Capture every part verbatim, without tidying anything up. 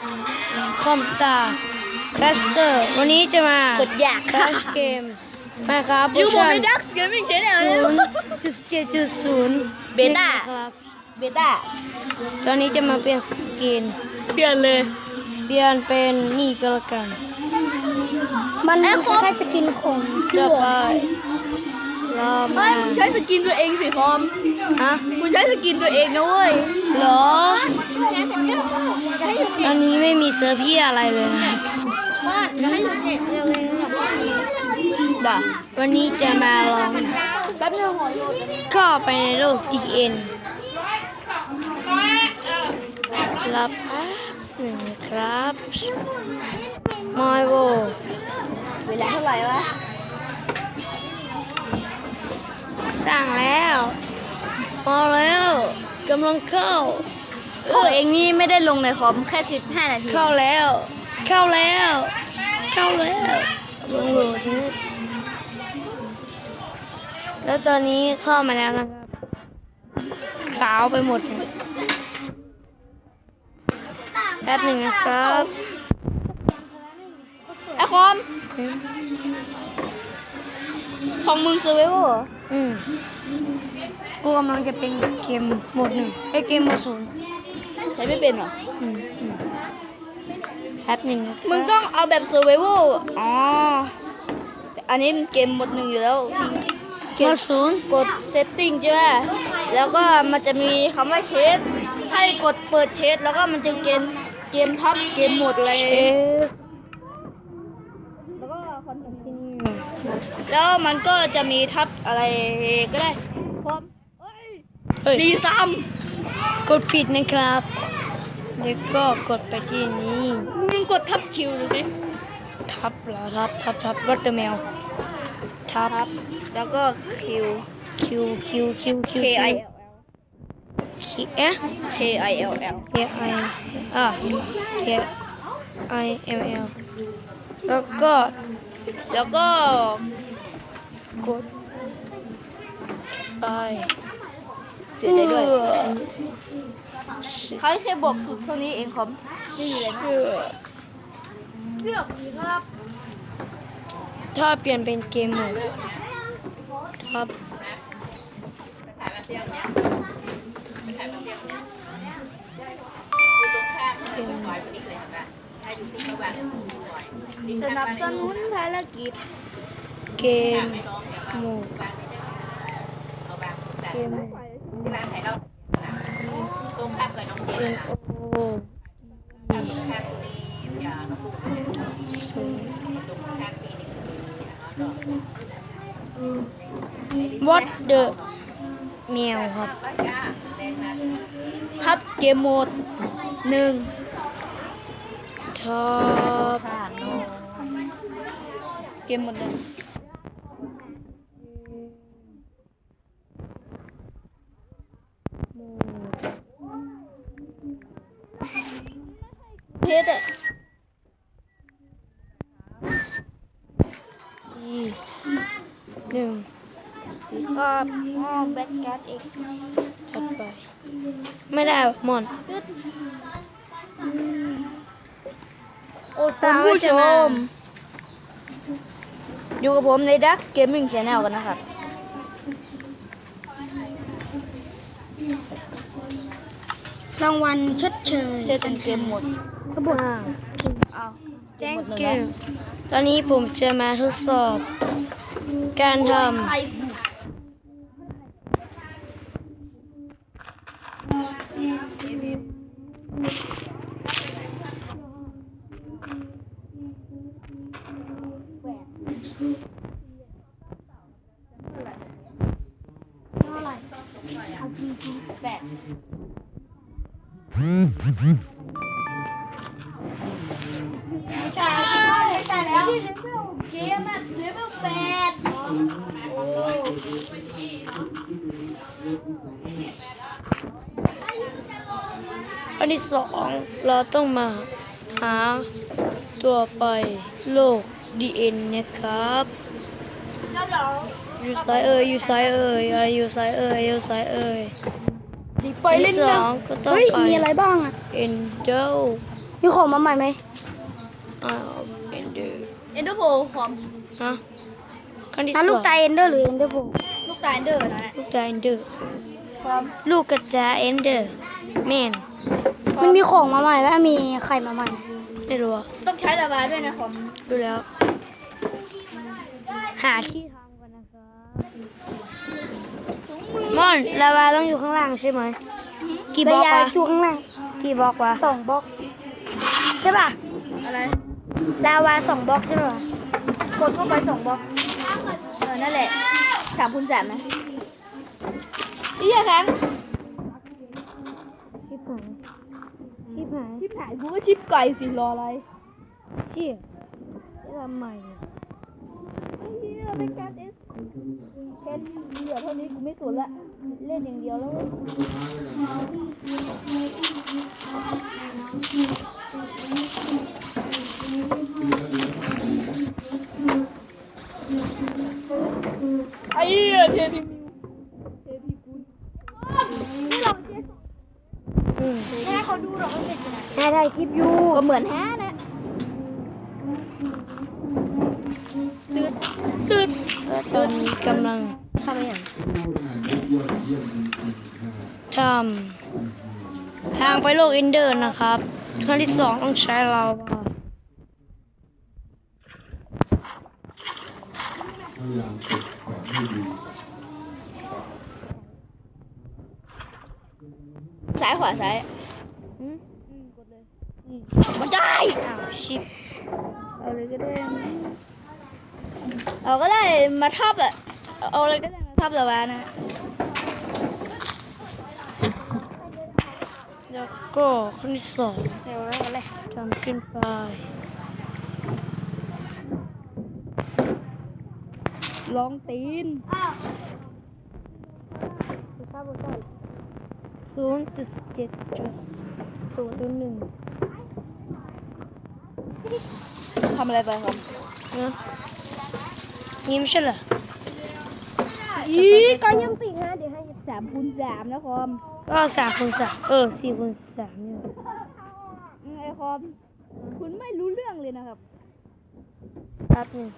คอมสตาร์แคสเตอร์วันนี้จะมากดอยากแคสเกมมาครับอยู่บนในดักเกมมิ่งชแนลเลยศูนย์จุดเจ็ดจุดศูนย์เบต้าครับเบต้าตอนนี้จะมาเปลี่ยนสกินเปลี่ยนเลยเปลี่ยนเป็นนี่ก็แล้วกันมันคล้ายๆสกินของจะไปรอไม่มามึงใช้สกินตัวเองสิคอมฮะมึงใช้สกินตัวเองนะเว้ยเหรออันนี้ไม่มีเซอร์พี่อะไรเลยนะบ้านจะให้หนูเด็กเร็วเลยนะบ้านนี้ด่าวันนี้จะมาลองแป๊บนึงเข้าไปในโลก ดี เอ็น รับแป๊บหนึ่งครับมอยโวเวลาเท่าไหร่วะสร้างแล้วมาแล้วกำลังเข้าตัวเองนี่ไม่ได้ลงในคอมแค่สิบห้านาทีเข้าแล้ว เข้าแล้ว เข้าแล้วลงโหลดนี่แล้วตอนนี้เข้ามาแล้วนะครับขาวไปหมดเลยแป๊บหนึ่งนะครับไอคอมของมึงเซเวอร์อืมกูกำลังจะเป็นเกมโหมดหนึ่งไอยเกมโหมดศูนย์ใช้ไม่เป็นเหรออืมอืมแป๊บหนึ่งนะครับมึงต้องเอาแบบเซเวอร์อ๋ออันนี้มันเกมหมดหนึ่งอยู่แล้วโหมดศูนย์กดเซตติ้งใช่ไหมแล้วก็มันจะมีคำว่าเชสให้กดเปิดเชสแล้วก็มันจะเกมเกมทับเกมโหมดอะไรเอสแล้วก็คอนเทนต์แล้วมันก็จะมีทับอะไรก็ได้พร้อมเอ้ยเฮ้ยดีซ้กดปิดนะครับเดี๋ยวก็กดไปที่นี้ำมึงกดทับคิวดูสิทับแล้วทับทับทับรถเดอะแมวทับทับแล้วก็คิวคิวคิวคิวคิว K I L คิวเอ๊ะ K I L L K I อ่ะ K I L L แล้วก็แล้วก็กดไปเสียใจด้วยเออเขาแค่บอกสุดเท่านี้เองคอมไม่มีอะไรนะเออเลือกสิครับถ้าเปลี่ยนเป็นเกมโหมดทับเกมสนับสนุนภารกิจเกมโหมดเกมโหมดตรงข้ามกับน้องเจน N นะ O ข้ามข้ามปีอย่าน้องลูกศูนย์ตรงข้ามปีนี่อย่าน้อง What the แมวครับทับเกมโหมดหนึ่งท็อปเกมโหมดหนึ่งเพชรอะอีหนึ่งครับอ๋อแบทการ์ดเองถัดไป ไม่ได้หมอนโอ้คุณผู้ชม อยู่กับผมใน Dax Gaming Channel กันนะครับรางวัลชดเชยเซตเป็นเกมหมดขบวนอ้าวเกม thank หมดหนึ่ง you แล้วตอนนี้ผมจะมาทดสอบ การทไอ้ำอันที่สองเราต้องมาหาตัวไปโลก ดี เอ็น นะครับ อยู่ซ้ายเอ่ยอยู่ซ้ายเอ่ยอะไรอยู่ซ้ายเอ่ยอยู่ซ้ายเอ่ยไปเล่นที่สนะองก็ต้องเฮ้ยไปมีอะไรบ้างอ่ะเอ็นเดลมีของมาใหม่ไหมอ้าวเอนเดอร์เอนเดอร์โพคอมฮะขั้นที่สนั่อน งลูกตาเอนเดอร์หรือเอนเดอร์โบลูกตาเอนเดอร์นะลูกตาเอนเดอร์คอมลูกกระจาเอนเดอร์แมนมันมีของมาใหม่ไหมมีไข่มาใหม่ไม่รู้อะต้องใช้ระบายด้วยนะคอมดูแล้ว หาที่ทำกันนะครับมอนลาวาต้องอยู่ข้างล่างใช่ไหมกี่บล็อกระยะวะอยู่ข้างล่างกี่บล็อกวะสองบล็อกใช่ป่ะอะไรลาวาสองบล็อกใช่ป่ะกดเข้าไปสองบล็อกเออนั่นแหละสามคูณสามนะนี่แข็งชิบหายชิบหายชิปหายกูก็ชิปไก่สิรออะไรเชี่ยจะทำใหม่อะไอ้เหี้ยเป็นการเอสแค่เหลือเท่านี้กูไม่สนละเล่นอย่างเดียวแล้วเว้ยไอ้เหี้ยเทพีมิวเทพีกุลนี่เราเจ๊อืมแค่เขาดูหรอกมันเป็นยังไงแม่ถ่ายคลิปอยู่ก็เหมือนแฮะนะตืดตืดตอนนี้กำลังทำอะไรอย่างทำทางไปโลกเอนเดอร์นะครับขั้นที่สองต้องใช้ลาวาซ้ายขวาซ้ายอืมอืมกดเลยอืมมันได้อ้าวชิปเอาเลยก็ได้ เอาก็ได้มาทับอะเอาอะไรก็ได้มาทับละวานะแล้วก็ขั้นที่สองเร็วแล้วกันเลยทำขึ้นไปลองตีนศูนย์จุดเจ็ดจุดศูนย์หนึ่งทำอะไรไปครับนะนี่ไม่ใช่เหรออีก็ยังติดนะเดี๋ยวให้สามคูณสามนะคอมก็สามคูณสามเออสี่คูณสามเนี่ยอืมไอคอม คุณไม่รู้เรื่องเลยนะครับแป๊บหนึง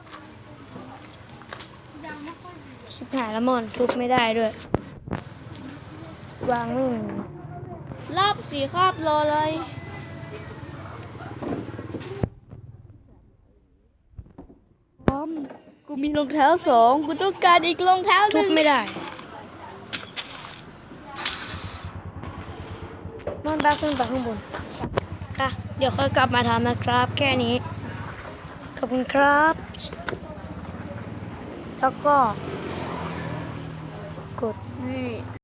ชิบหายแล้วมอนทุบไม่ได้ด้วย วางไม่หนึ่งรอบสี่ครอบรอเลยคอม กูมีรองเท้าสองกูต้องการอีกรองเท้าหทุนึ่บงไม่ได้มอนบ้าขึ้นไปข้างบนค่ะเดี๋ยวค่อยกลับมาทำนะครับ แค่นี้ ขอบคุณครับ แล้วก็ กดนี่